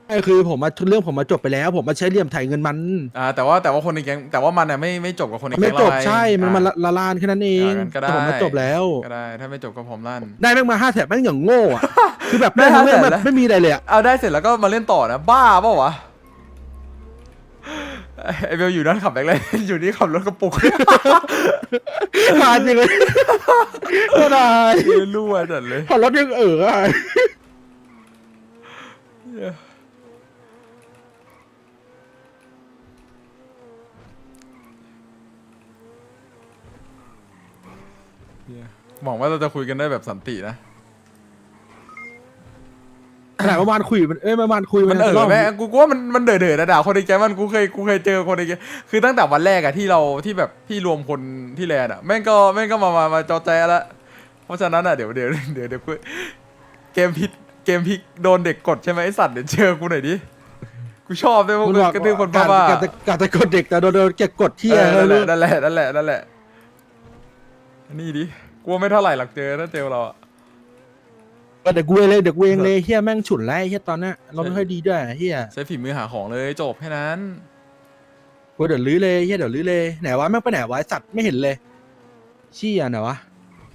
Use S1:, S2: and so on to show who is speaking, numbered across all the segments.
S1: ไอ้คือผมมาเรื่องผมมาจบไปแล้วผมมาใช้เหลี่ยมไถเงินมัน
S2: แต่ว่าคนในแก๊งแต่ว่ามันอ่ะไม่จบกับคนใน
S1: ไม่
S2: แก๊งเราไง
S1: จบใช่มันมาละลานแค่นั้นเอง
S2: งั้นก็ได้
S1: แต่ผมมาจบแล้ว
S2: ก็ได้ถ้าไม่จบก็พร้อมลั่น
S1: ได้แม่งมา5 แถบแม่งอย่างโง่อะคือแบบ
S2: ได้
S1: ได้ทั้งเรื่อง
S2: 500,000
S1: แบบ
S2: แล้ว
S1: ไม่มีอะไรเลยอะ
S2: เอาได้เสร็จแล้วก็มาเล่นต่อนะบ้าเปล่าวะไอเบลอยู่นั่นขับแบกเลยอยู่นี่ขับรถกระปุก
S1: ขาดจริงเลยก็ได้
S2: รั่วจัดเลย
S1: พอรถยังอะ
S2: หวังว่าเราจะคุยกันได้แบบสันตินะ
S1: ขนาดประมาณคุยมันประมาณคุย
S2: มัน
S1: รอบ
S2: แม่กูว่ามันเด๋อนะด่าคนในแก๊งมันกูเคยเจอคนในแก๊งคือตั้งแต่วันแรกอะที่เราที่แบบพี่รวมคนที่แลนด์อะแม่งก็มาจอแจแล้วเพราะฉะนั้นอะเดี๋ยวกูเกมพลิกโดนเด็กกดใช่ไหมไอสัตว์เดี๋ยวเจอกูหน่อยดิกูชอบด้วยพวกกระตือคนบ้าๆ
S1: กาจะกดเด็กแต่โดนเก็บกดที่
S2: นั่นแหละนี่ดิกลัวไม่เท่าไหร่หลักเจอถ้าเจอเราอะ
S1: เด็กกูเองเลยเฮียแม่งฉุนแล้วเฮียตอนนี้เราไม่ค่อยดีด้วยเฮีย
S2: ใช้ฝีมือหาของเลยจบแค่นั้น
S1: กูเดี๋ยวลื้อเลยเฮียเดี๋ยวลื้อเลยไหนวะแม่งไปไหนวะสัตว์ไม่เห็นเลยชี้อ่ะไหนวะ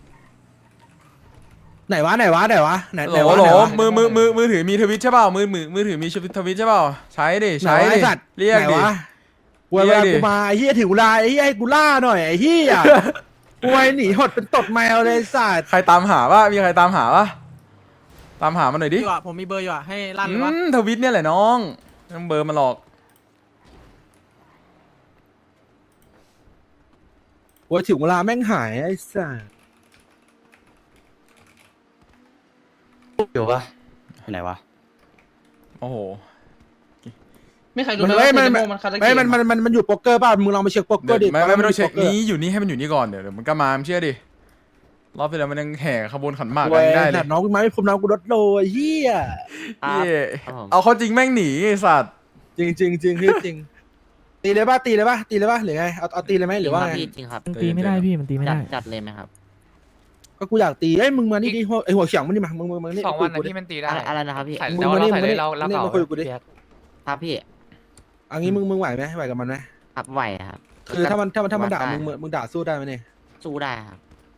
S1: ไหนวะไหนวะ
S2: มือถือมีทวิตใช่เปล่ามือถือมีทวิตใช่เปล่าใช้ดิใช้ดิ
S1: สัตว์
S2: เรียกดิ
S1: เวลากูมาไอ้เฮียถึงเวลาไอ้เฮียให้กูล่าหน่อยไอ้เฮียกูไอ้หนีหดเป็นตดแมวเลยสัตว์
S2: ใครตามหามีใครตามหาตามหามันหน่อยดิ
S3: อยู่อะผมมีเบอร์อยู่อะให้ลั่นหรือวะ
S2: ทวิตเนี่ยแหละน้องต้องเบอร์มาหลอก
S1: ว่าถึงเวลาแม่งหายไอ้สัส
S4: อยู่ปะไปไหนวะ
S2: โอ้โห
S3: ไม่ใครรู้
S1: มัน
S3: ไหม
S1: ไม่
S3: ว่า
S1: มัน
S3: เซนโมมันคาราเก
S1: ไม่
S3: ะ
S1: มันอยู่โป๊กเกอร์ป่ะมึงลองไปเช็คโป๊กเกอร์ดิ
S2: ไม่ต้องเช็คนี้อยู่นี่ให้มันอยู่นี่ก่อนเดี๋ยวมันก็มาเชื่อดิรอบที่แล้วมันยังแห่ขบวนขันหมากกันได้เลย
S1: น้องกูมาไม่พรมน้องกูรถโลเฮีย
S2: เอาเขาจริงแม่งหนีไอ้สัตว์
S1: จริงจริงตีเลยป่ะหรือไงเอาตีเลยไหมหรือว่าไง
S5: จริงครับ
S6: มันตีไม่ได้พี่มันตีไม่ได้
S5: จัดเลยไหมครับ
S1: ก็กูอยากตีมึงมานี่ดิไอหัวเฉียงมันนี่มามึงนี่
S7: 2 วันนะที่มันตีได้
S5: อะไรนะครับพี่
S7: ใส่
S1: มึง
S7: แล้ว
S1: มา
S7: เรา
S1: นี่
S7: ใส่เลยเรา
S1: นี่
S7: เก่า
S1: มาคุยกูดิ
S5: ครับพี่
S1: อันนี้มึงไหวไหมไหวกับมันไหม
S5: ครับไหวครับ
S1: คือถ้ามันด่ามึงด่าสู้ได้ไหมเนี่ย
S5: สู้ได้ครับ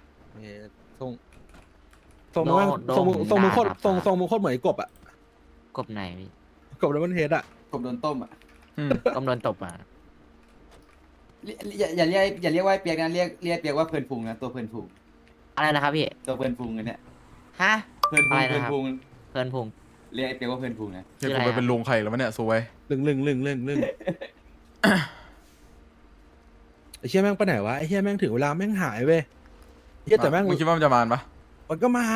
S1: ส่งมึงโคตรส่งมึงโคตรเหมือนกบอ่ะ
S5: กบไหนพี่
S1: กบแล้วมันเฮดอ่ะ
S4: ผมโดนต้มอ่ะ
S5: กบโดนตบอ่ะ
S4: อย่าเรียกว่าเปียกนะเรียกเปียกว่าเพลินพุงนะตัวเพลินพุง
S5: อะไรนะครับพี่
S4: ตัวเพลินพุงอันเนี้ย
S5: ฮะ
S4: เพลินพุง
S5: อะไร
S4: เพลิ
S5: นะ
S4: น
S5: ครับ
S4: พุง
S5: เพลินพุง
S4: เรียกไอ้เปียกว่าเพลินพุงนะ
S2: เดี๋ยวกูไปเป็นลุงใครแล้ววะเนี่ยสวย
S1: ลึงไอ้เชี่ยแม่งไปไหนวะไอ้เชี่ยแม่งถึงเวลาแม่งหายเว้ยเชี่ยแต่แม่ง
S2: มึงคิดว่ามันจะมาปะ
S1: มันก็มา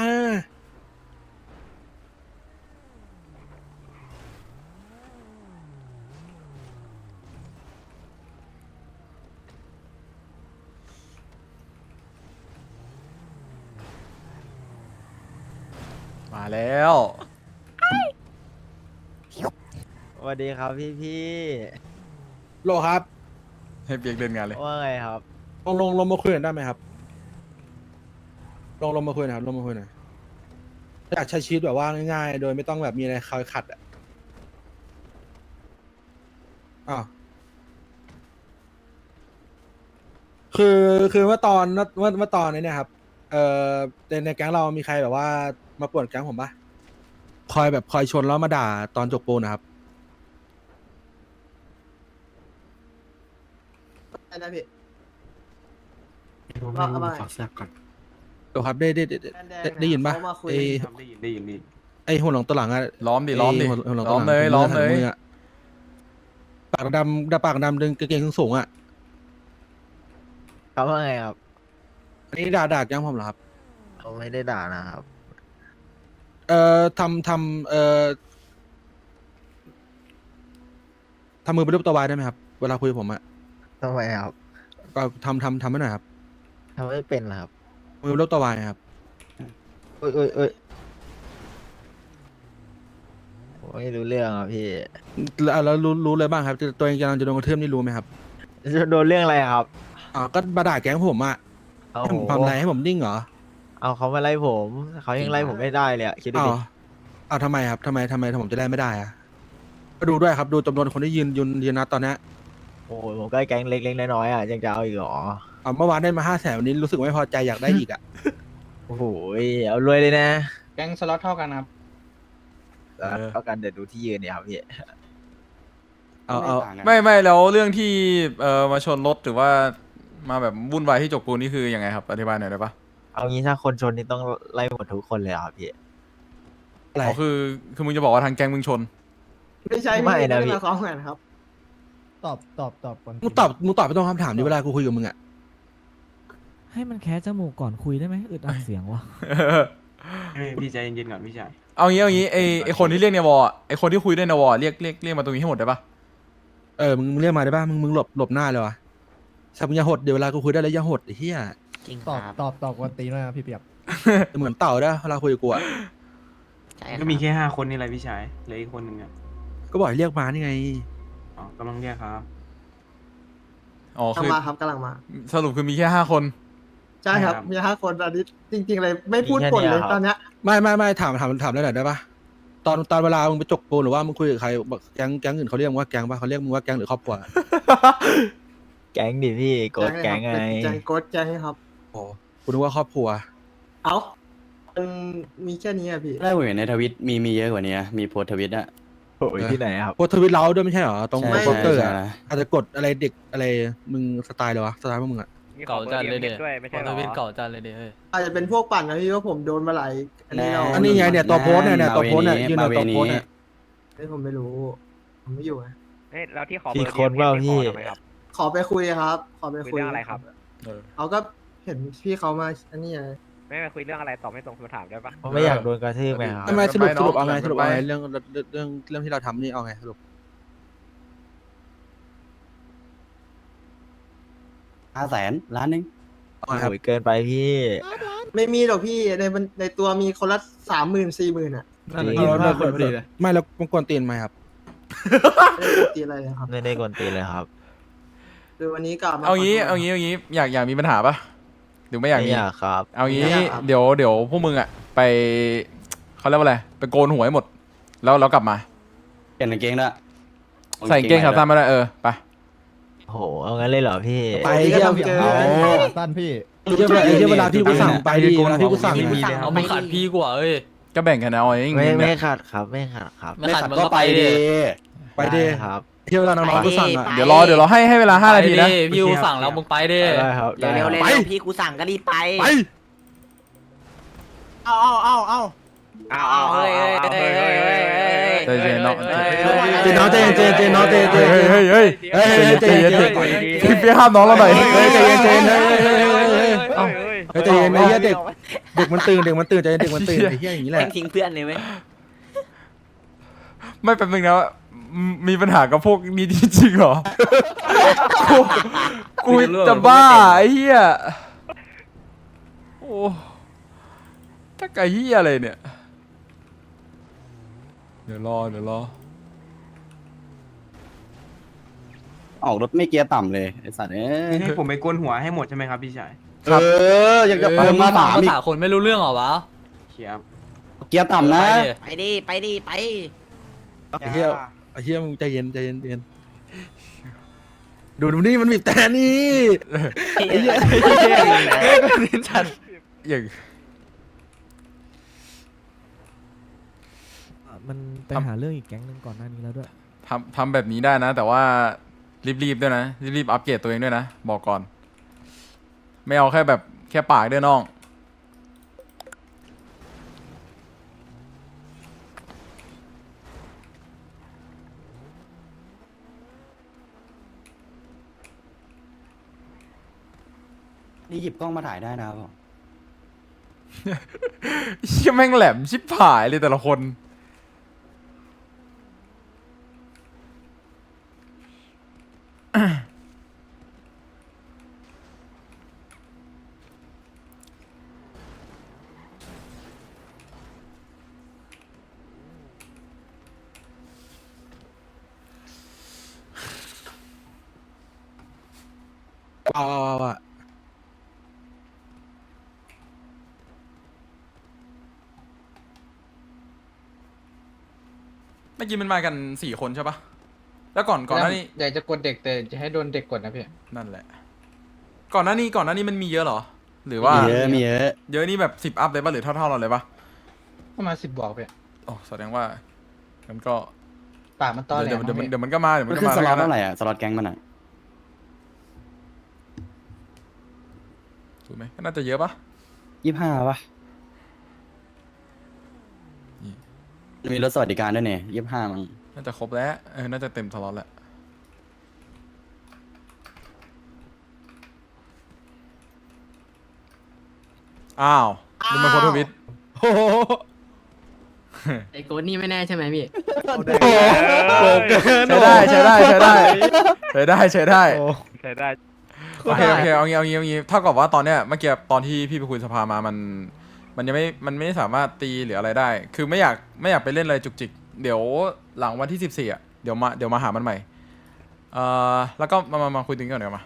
S2: มาแล้ว
S6: สวัสดีครับพี่
S1: โลครับ
S2: ให้เปียกเดินงานเลย
S6: ว่าไงครับ
S1: ลงมาคุยกันได้ไหมครับลงมาคุยหน่อยอยากใช้ชีวิตแบบว่าง่ายๆโดยไม่ต้องแบบมีอะไรคอยขัดอ่ะอ้าวคือเมื่อตอนนี้เนี่ยครับในแก๊งเรามีใครแบบว่ามาป่วนแก๊งผมปะคอยชนแล้วมาด่าตอนจบปูนนะครับ
S3: ได้พี่
S4: ว่าเอาไปขอแซบก่อน
S1: เดี๋ยวครับได้ยินปะ
S3: เขามาคุย
S4: ได้ยิน
S1: ไอหัวหลงตัวหลังอะ
S2: ล้อมดิ
S1: ไอ้หัวหลงตัวหง
S2: ล้อมเลย
S1: มือะปากดำดึงกางเกงสูงๆอะ
S6: เขาว่าไงครับ
S1: อันนี้ด่าแก๊งผมเหรอครับ
S6: เขาไม่ได้ด่านะครับ
S1: ทำมือเป็นรูปตัววายได้ไหมครับเวลาคุยกับผมอะ
S6: ทำไมครับ
S1: ก็ทำให้หน่อยครับ
S6: ทำไม่เป็นเหรอครับ
S1: มือเป็นรูปตัววายครับ
S6: เอ้ยผมไม่รู้เรื่องอ่ะพี่
S1: แล้วรู้เลยบ้างครับตัวเองกำลังจะโดนกระทืบนี่รู้ไหมครับ
S6: จะโดนเรื่องอะไรครับ
S1: ก็มาด่าแก๊งผมอะ
S6: เอา
S1: ให้ผมทำอะไรให้ผมนิ่งเหรอ
S6: เอาเขามาไล่ผมเขายังไล่ผมไม่ได้เลยอะคิดดู
S1: อ้าว
S6: ดิ
S1: อ้าวทำไมครับทำไมผมจะได้ไม่ได้อะก็ดูด้วยครับดูจำนวนคนที่ยืนนะตอนเนี้ย
S6: โอ้โหผมก็แก๊งเล็กๆน้อยๆอ่ะยังจะเอาอีกเหรอ
S1: เมื่อวานได้มา500,000วันนี้รู้สึกไม่พอใจอยากได้อีกอ่ะ
S6: โอ้โหเอารวยเลยนะ
S3: แก๊งสล็อตเท่ากันครับ
S6: แล้วเท่ากันเดี๋ยวดูที่ยืนเนี่ยครับพี่
S1: เอา
S4: ต่งกัน
S2: ไม่แล้วเรื่องที่มาชนรถหรือว่ามาแบบวุ่นวายที่จกปูนนี่คือยังไงครับอธิบายหน่อยได้ปะ
S6: เอางี้ถ้าคนชนนี่ต้องไล่หมดทุกคนเลยเหรอครับพี่
S1: อะไร
S2: อ๋อคือมึงจะบอกว่าทางแก๊งมึงชน
S3: ไม่ใช่
S6: ไม่นะพี่
S3: มาซ้อมกันครับ
S7: ตอบก่อน
S1: มึงตอบไปตรงคำถามนี้เวลากูคุยกับมึงอ่ะ
S7: ให้มันแคะจมูกก่อนคุยได้ไหมอึดอัดเสียงวะ
S8: พี่ใจเย็นๆก่อนพี่ชาย
S2: เอางี้ไอคนที่เรียกในวอลไอคนที่คุยด้วยในวอลเรียกมาตรงนี้ให้หมดได้ปะ
S1: มึงเรียกมาได้ป่ะมึงหลบหน้าเลยวะสับมึงอย่าหดเดี๋ยวเวลากูคุยได้แล้วอย่าหดไอ้เหี้ย
S5: จริงค
S7: ตอบ
S5: รับ
S7: ตอบกวนตีนด้วยนะพี่เปียก
S1: เหมือนเต่าได้เวลาคุยกับกูอ่ะ
S5: ใช่ครับ
S8: ก็มีแค่5 คนนี่แหละพี่ชายเหลืออีกคนหนึ่งอ่ะ
S1: ก็บอกให้เรียกมานี่ไง
S8: อ๋อกำลังเรียกครับ
S2: อ๋อก
S3: ำลั
S2: คื
S3: ง
S2: อ
S3: มาครับกำลังมา
S2: สรุปคือมีแค่5 คน
S3: ใช่ครับ
S8: ครับ
S3: มี5 คนตอนนี้จริง ๆ เลยไม่พูดปนเลยตอนเนี้ย
S1: ไม่ถามได้หน่อยได้ป่ะตอนเวลามึงไปจกปูนหรือว่ามึงคุยกับใครบอกแก๊งอื่นเขาเรียกมึงว่าแก๊งป่ะเขาเรียกมึงว่าแก๊งหรือครอบครัว
S6: แก๊งดิพี่โกดแก๊งไง
S3: แก๊งโกดแก๊งครับ
S1: โอ้กูนึกว่าครอบครัว
S3: เอ้ามันมีแค่นี้อะพี่
S4: ได้ผมเห็นในทวิตมีเยอะกว่านี้นะมีโพสต์ทวิตอะ
S6: โอ้ยที่ไหนครับ
S1: โพสต์ทวิตเราด้วยไม่ใช่เหรอตรง
S4: ใช่
S1: โปสเตอร์
S4: ใช่
S1: อะ
S4: ใช่
S1: อาจจะกดอะไรเด็กอะไรมึงสไตล์เลยวะสไตล์พวกมึงอะ
S9: เก่าจัดเลยเด็ดทวิตเก่าจัดเลยเด็ด
S3: อาจจะเป็นพวกปั่นนะพี่ว่าผมโดนมาหลายอันนี้เรา
S1: อันนี้ไงเนี่ยตัวโพสต์เนี่ยตัวโพสต์เนี่ยยืนในตัวโพสต์เนี่ย
S3: เฮ้ยผมไม่รู้ ผมไม่อยู่ไง
S9: แล้วที่ขอ
S6: พี่คนเปล่าพี่
S3: ขอไปคุยครับ ขอไปคุย
S9: เรื่องอะไรครับ
S3: เขาก็เห็นพี่เขามาอันนี้ไง
S9: ไม่ไปคุยเรื่องอะไรตอบไม่ตรงคำถามได้ปะ
S6: ผมไม่อยากโดนกระทืบไงครับ
S1: ทำไมสรุป
S2: ไปเนอะ
S1: เอาไงสรุปเอาไง
S2: ไป
S1: เรื่องที่เราทำนี่เอาไงสรุป
S4: 500,000 ล้านหนึง
S1: เอาไงครับ
S6: โอ้ยเกินไปพี่
S3: ไม่มีหรอกพี่ในตัวมีคนละ30,000 40,000อ่ะ
S6: นั่นแหละ
S1: ไม่แล้วมันกวนตีนไหมครับ
S3: ไม่ได้ตีอะไรเลยครับ
S6: ไม่ได้กวนตีนเลยครับ
S3: คือวันนี้กลับมา
S2: เอางี้
S3: ขโทษ
S2: เอางี้อยากมีปัญหาปะหรือไม่อยาก
S6: ไม่
S2: มี
S6: อยากครับ
S2: เอางี้
S3: ไม่อยากครับ
S2: เดี๋ยวพวกมึงอะไปเขาเรียกว่าอะไรไปโกนหัวให้หมด แล้วกลับมา
S4: เปลี่ยนกางเกงด้วย
S2: ใส่กางเกงขาสั้นไม่ได้ไป
S6: โอ้โหเอางั้นเลยเหรอพี่
S1: ไป
S3: วันนี้ก็
S1: เยี่ยม
S3: ทำเจอ
S7: สั้นพี่
S1: เวลาที่กูสั่งไปดิเวลาที่กูสั่ง
S5: มี
S1: อะ
S5: เลย
S9: เอามึงขาดพี่กว่าเอ้ย
S2: ก็แบ่งกันเอาเอง
S6: ไม่ขาดครับไม่ขาดครับ
S9: ไม่ขัดมึงก็ไปดิ
S1: ไปดิ
S6: ด้ครับ
S1: เที่ยวเวลาน้องๆกูสั่งอะ
S2: เดี๋ยวรอให้เวลา5 นาทีนะ
S9: พี่กูสั่งแล้วมึงไปดิ
S6: ได้ครับ
S5: เร็ว
S6: ได้
S5: เร็ว
S6: ครับ
S5: เร็วพี่กูสั่งก็รีบไป
S1: ไป
S3: เอา
S5: เฮ้ย
S2: ใจเย็นเนาะ
S1: เจนน้องเจนน้องเจน
S2: เฮ้ย
S1: เฮ้ยใจเย็น
S2: พี่ห้ามน้องเราหน่อย
S1: เฮ้ยใจเย็นเฮ้ยใจเย็นไอ้เหี้ยเด็กมันตื่นใจเย็นเด็กมันตื่นไอ้เหี้ยอย่างนี้แหละ
S5: แม่งทิ้งเพื่อนเลยไหม
S2: ไม่แป๊บนึงนะมีปัญหากับพวกนี้จริงๆเหรอกูจะบ้าไอ้เหี้ยโอ้ถ้าไอ้เหี้ยอะไรเนี่ยเดี๋ยวรอ
S4: ออกรถไม่เกียร์ต่ำเลยไอสัตว์เอ้ย
S8: ให้ผมไปโกนหัวให้หมดใช่ไหมครับพี่ชาย
S4: อยากจะเพิ่มมาถาม
S9: ภา
S4: อีก
S9: ษาคนไม่รู้เรื่องเหรอวะ
S8: เขียบ
S4: เกียร์ต่ำนะ
S5: ไปดิไป
S1: ไอ้เหี้ยมึงใจเย็นดูนี่มันบีบแต่นี่ไอ้เหี้ย
S2: อย่าง
S7: มันไปหาเรื่องอีกแก๊งหนึงก่อนหน้านี้แล้วด้วย
S2: ทำแบบนี้ได้นะ แต่ว่ารีบๆด้วยนะรีบอัปเกรดตัวเองด้วยนะบอกก่อน ไม่เอาแค่แบบแค่ปากด้วยน้อง
S4: นี่หยิบกล้องมาถ่ายได้นะครับผม
S2: เชี่ยแม่งแหลมชิบหายเลยแต่ละคน
S1: เอา
S2: เมื่อกี้มันมากัน4 คนใช่ปะแล้วก่อนหน้านี้
S10: อยากจะกดเด็กแต่จะให้โดนเด็กกดนะพี่
S2: นั่นแหละ ก่อนหน้านี้มันมีเยอะเหรอ หรือว่า
S4: มีเยอะมีเยอะ
S2: เยอะนี่แบบ10 อัพเลยปะหรือเท่าเราเลยปะ
S10: ประมาณ10 บวกพี่
S2: อ๋อแสดงว่ามันก็
S10: ปากมันตอแหล
S2: เดี๋ยว
S10: มั้งพี่
S2: มันก็มาเดี๋ยว
S4: มั
S2: มัน น
S4: ขึ้
S2: ก็
S4: น
S2: มา
S4: สล็อต
S2: แล้วกัน
S4: เท่าไห
S2: นะ
S4: ร่อ่ะสล็อตแก๊งมันอ่ะ
S2: ถูกไหมก็น่าจะเยอะปะ
S4: 25ป่ะมีรถสวัสดิการด้วยเนี่ย25มั้ง
S2: น่าจะครบแล้วน่าจะเต็มสล็อตแล้วอ้าวดูมันโพสต์ทวิต
S1: โอ้โห
S5: ไอ้โกนี่ไม่แน่ใช่ไหมพี่
S1: โกเกิน
S2: ใช้ได้โอเคเอางี้เท่ากับว่าตอนเนี้ยเมื่อกี้ตอนที่พี่ไปคุยสภามามันยังไม่สามารถตีหรืออะไรได้ คือไม่อยากไปเล่นอะไรจุกจิกเดี๋ยวหลังวันที่14อ่ะเดี๋ยวมาหามันใหม่แล้วก็มาคุยถึงกันเดี๋ยวมา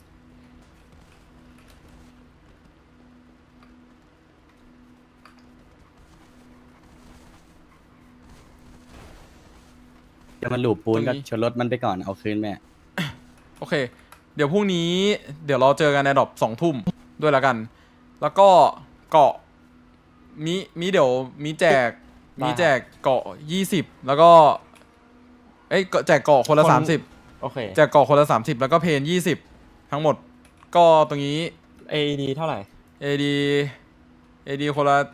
S4: เดี๋ยวมันหลูบปูนก็ชนรถมันไปก่อนเอาคืนแม่
S2: โอเค เดี๋ยวพรุ่งนี้เดี๋ยวเราเจอกันในดรอป2 ทุ่มด้วยแล้วกัน แล้วก็เกาะมีเดี๋ยวมีแจกเกาะ20แล้วก็แจกเกาะคนละ30
S9: โอเค
S2: แจกเกาะคนละ30แล้วก็เพน20ทั้งหมดก็ตรงนี้
S9: AED เท่าไหร่
S2: AD คนละ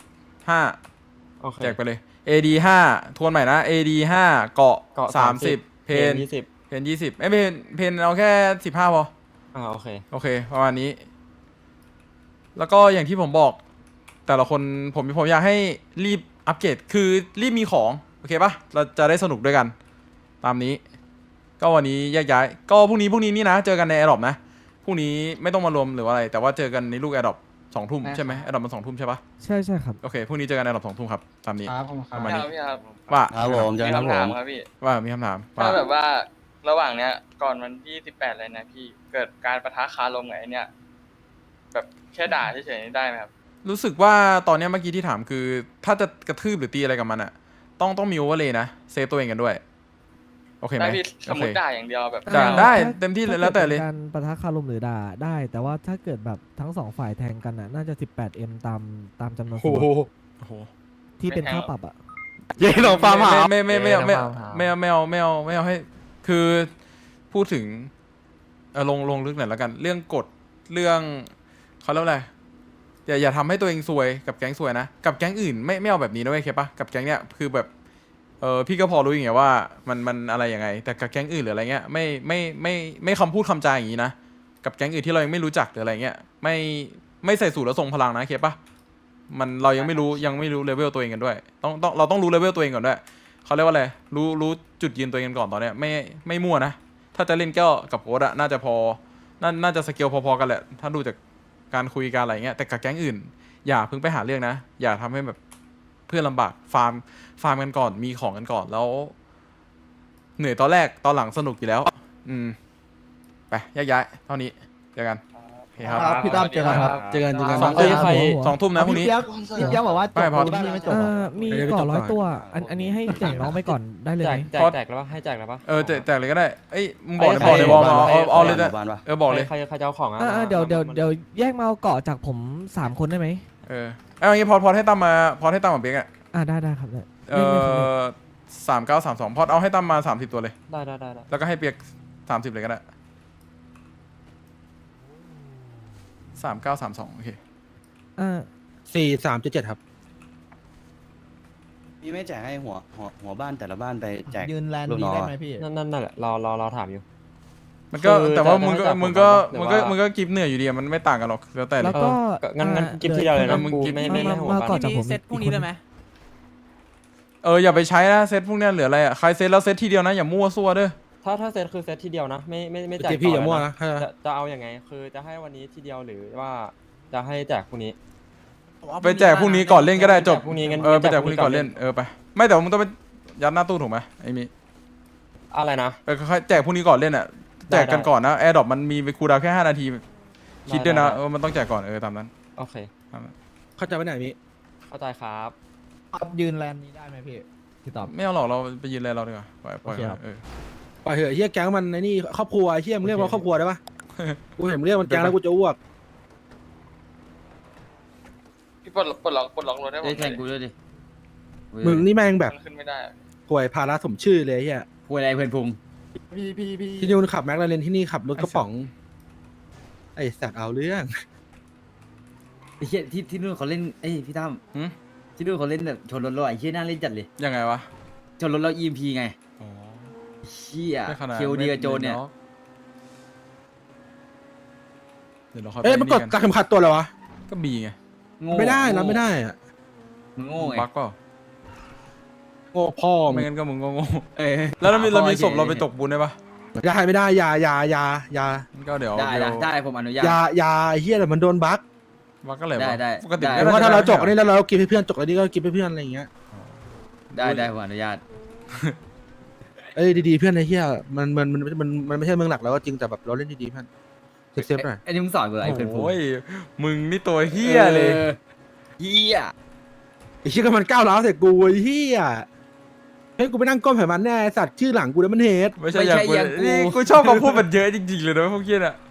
S2: 5
S9: โอเค
S2: แจกไปเลย AD 5ทวนใหม่นะ AD 5เกาะ30เพน
S9: 20
S2: เพน20เพนเอาแค่15พอ
S9: โอเค
S2: โอเคประมาณนี้ แล้วก็อย่างที่ผมบอก แต่ละคนผมอยากให้รีบอัปเกรดคือรีบมีของโอเคปะเราจะได้สนุกด้วยกัน ตามนี้ ก็วันนี้แยกย้ายก็พรุ่งนี้นี่นะเจอกันในแอร์ดรอปนะพรุ่งนี้ไม่ต้องมารวมหรือว่าอะไร แต่ว่าเจอกันในลูกแอร์ดรอป2 ทุ่มใช่ไหมแอร์ดรอปมัน2 ทุ่มใช่ปะ
S7: ใช่ครับ
S2: โอเคพรุ่งนี้เจอกันในแอร์ดรอป2 ทุ่มครับตามนี้
S10: ครับผมค
S2: ป
S10: รับ
S2: ระมาณนี้
S11: พี่ครับ
S2: ว่า
S4: ครับผมเจอกันครับผม
S11: ครับพี่
S2: ว่ามีคำถามว่า
S11: ถ้าแบบว่าระหว่างเนี้ยก่อนวันที่18เลยนะพี่เกิดการปะทะคารมกับไอ้เนี่ยแบบแค่ด่าเฉยๆนี่ได้ไหมครับ
S2: รู้สึกว่าตอนเนี้ยเมื่อกี้ที่ถามคือ ถ้าจะกระทืบหรือตีอะไรกับมันอ่ะต้องมีโอเวอร์เลยนะเซฟตัวเองกันด้วยโอเคไหม
S11: ได้พี่ส
S2: โอ
S11: มม
S2: เค
S11: ติด่าอย่างเดียวแบบ
S2: ได้เต็มที่เลยแล้วแต่เลย
S7: ถ้ากิดเป็นการปะทะคารมหรือด่าได้ แต่ว่าถ้าเกิดแบบทั้ง2 ฝ่ายแทงกันน่ะน่าจะ 18M ตามจำนวนส
S1: โอ้
S7: ล็อ
S1: โห
S7: ต
S2: โอ้โห
S7: ที่เป็นค่าปรับอ่ะ
S1: เย้ลองฟาร์มหา
S2: ไม่เอาให้คือพูดถึงลงลึกหน่อยแล้วกัน เรื่องกฎเรื่องเขาเรียกว่าอะไรอย่าทำให้ตัวเองซวยกับแก๊งซวยนะกับแก๊งอื่นไม่เอาแบบนี้นะเว้ยเคปะกับแก๊งเนี้ยคือแบบพี่ก็พอรู้อย่างเงี้ยว่ามันอะไรยังไง แต่กับแก๊งอื่นหรืออะไรเงี้ยไม่คำพูดคำจาอย่างนี้นะกับแก๊งอื่นที่เรายังไม่รู้จักหรืออะไรเงี้ยไม่ใส่สูตรแล้วทรงพลังนะเคปะเรายังไม่รู้เลเวลตัวเองกันด้วยเราต้องรู้เลเวลตัวเองก่อนด้วยเขาเรียกว่าอะไรรู้จุดยืนตัวเองกันก่อนตอนเนี้ยไม่มั่วนะถ้าจะเล่นก็กับโค้ดอะน่าจะพอน่าจะสเกลพอๆกันแหละถ้าดูจากการคุยกันอะไรเงี้ยแต่กับแก๊งอื่นอย่าเพิ่งไปหาเรื่องนะอย่าทำให้แบบเพื่อนลำบากฟาร์มกันก่อนมีของกันก่อนแล้วเหนื่อยตอนแรกตอนหลังสนุกอยู่แล้วไปแยกย้ายเท่านี้เจอกันโอเคครับ
S1: พี่ตั้มเจอกันครับเจอกัน
S2: 2 ทุ่มนะพรุ่งนี้
S5: พี่เปี๊ยกบอกว่าจ
S2: ไม่
S5: บ
S2: พอ
S5: ที่นี่ไม่จบ
S7: มีก่อ100 ตัว อันนี้ให้แจกน้องไปก่อนได้เลยไหม
S9: แจกแล้วปะให้แจกแล้วปะ
S2: แจกเลยก็ได้มึงบอกในวอลมาเอาเลย
S4: ห
S2: นะ
S4: มู่บ้านปะ
S2: บอกเลย
S9: ใครจะเอาของอ่ะ
S7: เดี๋ยวแยกมาเอาเกาะจากผม3 คนได้ไหม
S2: เอาอย่างงี้พอให้ตั้มมาเปียกอ่ะ
S7: ได้ครับได้
S2: 3932พอเอาให้ตั้มมา30ตัวเลย
S9: ได้
S2: แล้วก็ให้เปียก30เลยก็ได้3932โอเค
S1: 4377ครับ
S4: พี่ไม่แจกให้หัวบ้านแต่ละบ้านไปแจก
S5: ยืนแลนด์
S4: ลูก
S5: นี้
S4: น้อง
S5: ได้
S4: อะ
S5: ไหมพี่
S9: นั่นแหละรอถามอยู่
S2: มันก็
S9: คือ
S2: แต่ว่า
S9: จะ
S2: มึง
S9: ให้จับ
S2: มึงก็กิฟเหนื่อยอยู่ดีมันไม่ต่างกันหรอกแล้วแต่เล
S7: แล้
S2: ยว
S7: ก็
S9: งั้นกิฟต์ทีเดียวเลยนะ
S2: มึง
S9: กู
S2: กิฟต์
S9: ไม่ให้หัว
S7: มา
S9: บ้าน
S7: ก่อนจากผม
S5: เซตพรุ่งนี้ได้ไหม
S2: อย่าไปใช้นะเซตพวกเนี้ยเหลืออะไรอ่ะใครเซตแล้วเซตทีเดียวนะอย่ามั่วซั่วเด้อ
S9: ถ้าเซตคือเซตทีเดียวนะไม่แจก
S1: เจพี่อย่ามั่ว
S9: ต่
S1: นะ
S9: จะเอาอย่างไงคือจะให้วันนี้ทีเดียวหรือว่าจะให้แจกพรุ่งนี้
S2: ไปแจกพรุ่งนี้ก่อนเล่นก็ได้จบ
S9: พรุ่งนี้งั้น
S2: ไปแจกพรุ่งนี้ก่อนเล่นไปไม่แต่ว่ามึงต้องไปยัดหน้าตู้ถูกไหมไอ้มี
S9: อะไรนะ
S2: ค่อยแจกพรุ่งนี้ก่อนเล่นอ่ะแจกกันก่อนนะแอร์ดรอปมันมีคูลดาวน์แค่5 นาทีคิดด้วยนะมันต้องแจกก่อนตามนั้น
S9: โอเค
S1: เข้าใจไหมไหนมี
S9: เข้าใจครับ
S5: ยืนแลนด์นี้ได้ไหมพี่
S7: พี่ตอบ
S2: ไม่เอาหรอกเราไปยืนอะไรเราดีกว่าปล่อย
S7: โอเคครับ
S1: ปล่อยเหอะไอ้เฮียแก๊งมันในนี่ครอบครัวไอ้เฮียมึงเรียกว่าครอบครัวได้ปะกูเห็นมึงเรียกมันแก๊งแล้วกูจะอ้วก
S11: พี่ปลดล็อกรถให้ผม
S4: ได้
S11: ห
S4: แท
S11: น่อย
S4: งกูด้วยดิ
S1: มึงนี่แม่งแบบ
S11: มันขึ้นไม่ได้อะ
S1: ป่วยภาระสมชื่อเลยไอ้เฮีย
S4: คุยอะไรเพื่อนพุง
S1: ที่นู่นขับแม็กลาเรนที่นี่ขับรถกระป๋องไอ้สัตว์เอาเรื่อง
S4: ไอ้เหี้ยที่นู่นเขาเล่นเอ้ยพี่ตั้ม
S2: หืม
S4: ที่นู่นเขาเล่นแบบชนรถเราไอ้เหี้ยน่าเล่นจัดเลย
S2: ยังไงวะ
S4: ชนรถเรา EMP ไง
S2: อ๋อ
S4: เหี้ย
S2: ไม่ขนาด
S4: เคียวดีกับโจนเนี่ย
S2: เดี๋ยวเราค่อย
S1: เอ้ยมันกด
S2: ไป
S1: ตัดเข็มขัดตัวเลยวะ
S2: ก็บีไง
S4: โง่
S1: ไม่ได้รับไม่ได้อะ
S4: มึงโง่ไง
S2: บักเปล่า
S1: โง่พ่อมึ
S2: ไม่
S1: ง
S2: งั้นก็มึงก็โง่
S4: เอ้ย
S2: แล้วเรามี
S4: หพ่อ
S2: ศพเราไป
S4: ฉย
S2: ตกบุญได้ปะ
S1: อย่าให้ไม่ได้อย่า
S2: งั้นก็เดี๋ยว
S4: ได้
S2: เดี๋ยว
S4: ได้ผมอนุญาต
S1: อย่าไอ้เฮียแต่มันโดนบั๊ก
S2: บักก็แหละ
S4: ได้
S2: ปกติ
S4: ได้
S1: แต่ว่าถ้าเราจกอันนี้แล้วเรากินให้เพื่อนจกอันนี้ก็กินให้เพื่อนอะไรอย่างเงี้ย
S4: ได้ผมอนุญาต
S1: เอ้ยดีๆเพื่อนไอ้เฮียมันไม่ใช่เมืองหลักแล้วก็จริงแต่แบบเราเล่นดีๆเพื่อนเซฟๆหน่อย
S4: ไอ้นี่มึงสอนกูอะไรเพื่อนพุง
S2: โอ้ยมึงนี่ตัวเฮียเลย
S4: เหี้ย
S1: ไอ้เฮียก็มันก้าวร้าวใส่กูไอ้เฮียเฮ้ยกูไปนั่งก้มใส่มันแน่ไอ้สัตว์ชื่อหลังกูแล้วมันเฮด
S2: ไม่ใช่อย่างกูนี่กูชอบคำพูดมันเยอะจริงๆเลยนะพวกเกี้ยน่ะ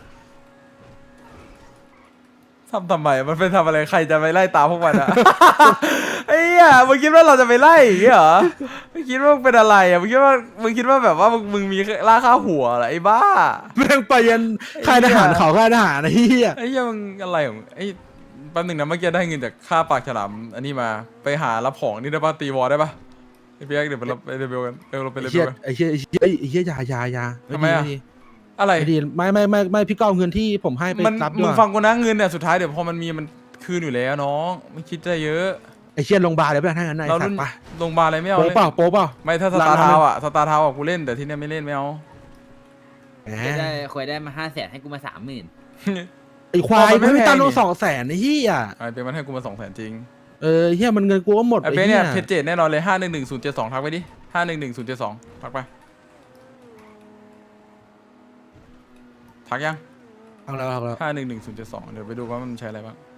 S2: ทำไมมันเป็นทำอะไรใครจะไปไล่ตามพวกมันอะ ไอ้เหี้ยมึงคิดว่าเราจะไปไล่อย่างเงี้ยเหรอมึงคิดว่ามึงเป็นอะไรอะมึงคิดว่าแบบว่ามึงมีราคาหัวเหรอไอ้บ้า
S1: แม่งไปยันค่ายทหารเขาค่ายทหารไอ้เฮีย
S2: ไอ้เหี้ยมึงอะไรของไอ้แป๊บหนึงนะเมื่อกี้ได้เงินจากค่าปากฉลามอันนี้มาไปหารับของนี่ได้ป่ะตีวอลได้ป่ะไอ้เปียกเดี๋ยวไปรับไปเรเบลกันเราไปเร
S1: ไอ้
S2: เบ
S1: เฮีย
S2: ลกัน
S1: ไอ้เฮียไอ้เฮียไอ้เฮียอย่า
S2: ทำไมอะ
S1: ดี
S2: อะไร
S1: ไม่ดีไม่พี่ก็เอาเงินที่ผมให้ไป
S2: มัน
S1: รับด้
S2: มึ
S1: ว
S2: ง
S1: ย
S2: ฟังกูนะเงินเนี่ยสุดท้ายเดี๋ยวพอมันมีมันคืนอยู่แล้วน้องไม่คิดได้เยอะ
S1: ไอ้เฮียลงบาร์เลยเพื่อนถ้างั้นไอ้
S2: เรา
S1: สัต
S2: รุ่น
S1: ว์ปะ
S2: โรงพยาบาลอะไรไม่เอา
S1: โป๊
S2: เลย
S1: เปล่าโป๊เปล่า
S2: ไม่ถ้าสตาร์ทาวน์อะสตาร์ทาวน์อะกูเล่นแต่ที่เนี่ยไม่เล่นไม่เอา
S1: แหม
S4: เคยได้มา500,000ให้กูมา30,000
S1: ไอ้ควาย
S2: มันไม่
S1: ไม่
S2: แพง
S1: ตั้ง
S2: นี่
S1: ลง200,000ไอ้เฮีย
S2: ไอ้เป็นมันให้กูมา200,000จริง
S1: เฮียมันเงินกูก็หมด
S2: ไอ้
S1: ไอ้
S2: เป็น
S1: เฮี
S2: เนี่ย ยเพจเจ็ดแน่นอนเลย511072ทักไปดิ511072ทักไปทักยัง
S1: เอาแล้ว
S2: 511072เดี๋ยวไปดูว่ามันใช้อะไรบ้าง